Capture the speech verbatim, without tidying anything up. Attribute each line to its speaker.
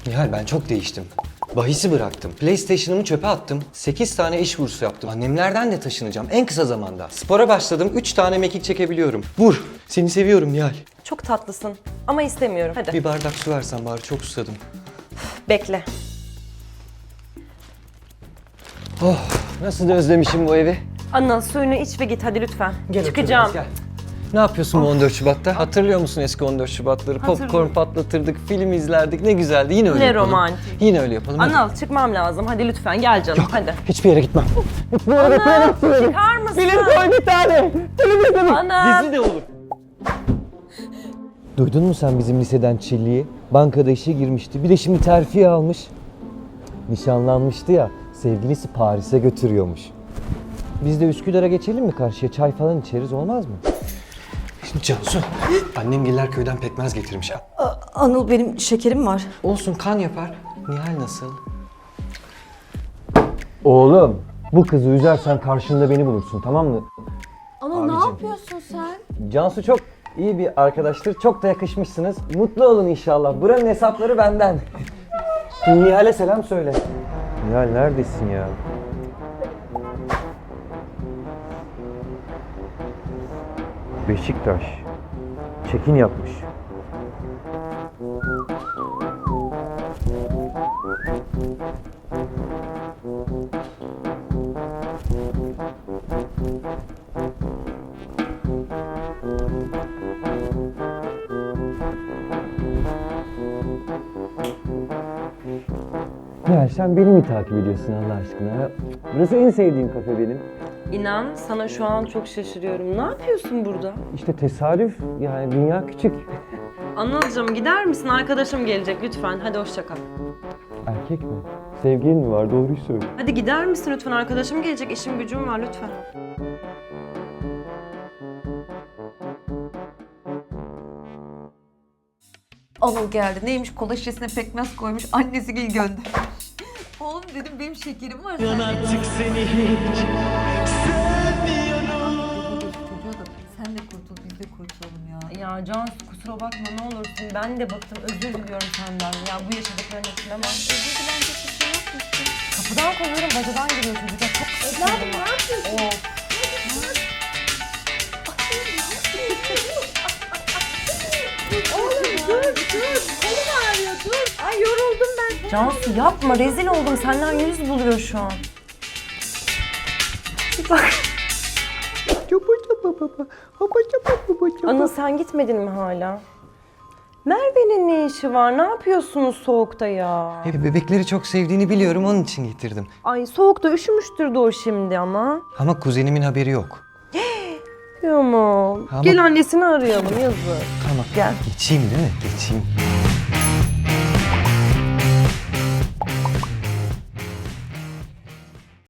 Speaker 1: Nihal ben çok değiştim. Bahisi bıraktım. PlayStation'ımı çöpe attım. sekiz tane iş kursu yaptım. Annemlerden de taşınacağım en kısa zamanda. Spora başladım. üç tane mekik çekebiliyorum. Vur. Seni seviyorum Nihal.
Speaker 2: Çok tatlısın ama istemiyorum. Hadi
Speaker 1: Bir bardak su versen bari, çok susadım.
Speaker 2: bekle.
Speaker 1: Oh, nasıl da özlemişim bu evi.
Speaker 2: Anıl suyunu iç ve git hadi lütfen.
Speaker 1: Gel
Speaker 2: Çıkacağım.
Speaker 1: otur, gel. Ne yapıyorsun bu on dört Şubat'ta? Hatırlıyor musun eski on dört Şubat'ları? Popcorn patlatırdık, film izlerdik. Ne güzeldi. Yine öyle
Speaker 2: Ne
Speaker 1: yapalım.
Speaker 2: romantik.
Speaker 1: Yine öyle yapalım. hadi.
Speaker 2: Anıl çıkmam lazım. Hadi lütfen gel canım hadi.
Speaker 1: Hiçbir yere gitmem. Hiçbir yere
Speaker 2: Anıl çıkar mısın?
Speaker 1: Film koy bir tane. Film izledim.
Speaker 2: Anıl.
Speaker 1: Dizi de olur. Duydun mu sen bizim liseden Çilli'yi? Bankada işe girmişti. Bir de şimdi terfi almış. Nişanlanmıştı ya. Sevgilisi Paris'e götürüyormuş. Biz de Üsküdar'a geçelim mi karşıya? Çay falan içeriz, olmaz mı? Şimdi Cansu, annem Giller köyden pekmez getirmiş.
Speaker 3: Anıl benim şekerim var.
Speaker 1: Olsun, kan yapar. Nihal nasıl? Oğlum, bu kızı üzersen karşında beni bulursun, tamam mı?
Speaker 3: Anıl
Speaker 1: Abicim.
Speaker 3: ne yapıyorsun sen?
Speaker 1: Cansu çok iyi bir arkadaştır. Çok da yakışmışsınız. Mutlu olun inşallah. Buranın hesapları benden. Nihal'e selam söyle. Nihal neredesin ya? Beşiktaş. Çekin yapmış. Ya sen beni mi takip ediyorsun Allah aşkına? Burası en sevdiğim kafe benim.
Speaker 2: İnan sana şu an çok şaşırıyorum. Ne yapıyorsun burada?
Speaker 1: İşte tesadüf, yani dünya küçük.
Speaker 2: Anılcığım gider misin? Arkadaşım gelecek lütfen. Hadi hoşça kal.
Speaker 1: Erkek mi? Sevgilin mi var? Doğruyu söyle.
Speaker 2: Hadi gider misin lütfen? Arkadaşım gelecek. İşim gücüm var lütfen.
Speaker 3: Anıl geldi. Neymiş, kola şişesine pekmez koymuş. Annesi gel göndermiş. Oğlum dedim benim şekerim var. Sen
Speaker 4: Artık seni hiç sevmiyorum.
Speaker 3: çocuğa da sen de kurtul biz de kurtulalım ya.
Speaker 2: Ya Cansu kusura bakma ne olursun. Ben de bıktım. Özür diliyorum senden. Ya bu yaşadıklarını etkilemem.
Speaker 3: Özür dilenecek bir şey yok musun?
Speaker 2: Kapıdan kovuyorum. Bacadan giriyor çocuk. Ya çok
Speaker 3: Evladım ne yapıyorsun?
Speaker 2: Of.
Speaker 3: Oğlum dur dur. Kolum ağrıyor dur. Ay yoruldum ben.
Speaker 2: Cansu yapma. Rezil oldum. Senden yüz buluyor şu an. Bak. Anıl sen gitmedin mi hala? Merve'nin ne işi var? Ne yapıyorsunuz soğukta ya?
Speaker 1: E, bebekleri çok sevdiğini biliyorum, onun için getirdim.
Speaker 2: Ay soğukta üşümüştür de o şimdi ama.
Speaker 1: Ama kuzenimin haberi yok.
Speaker 2: Tamam.
Speaker 1: Ama-
Speaker 2: Gel annesini arayalım yazık.
Speaker 1: Tamam.
Speaker 2: Gel.
Speaker 1: Geçeyim değil mi? Geçeyim.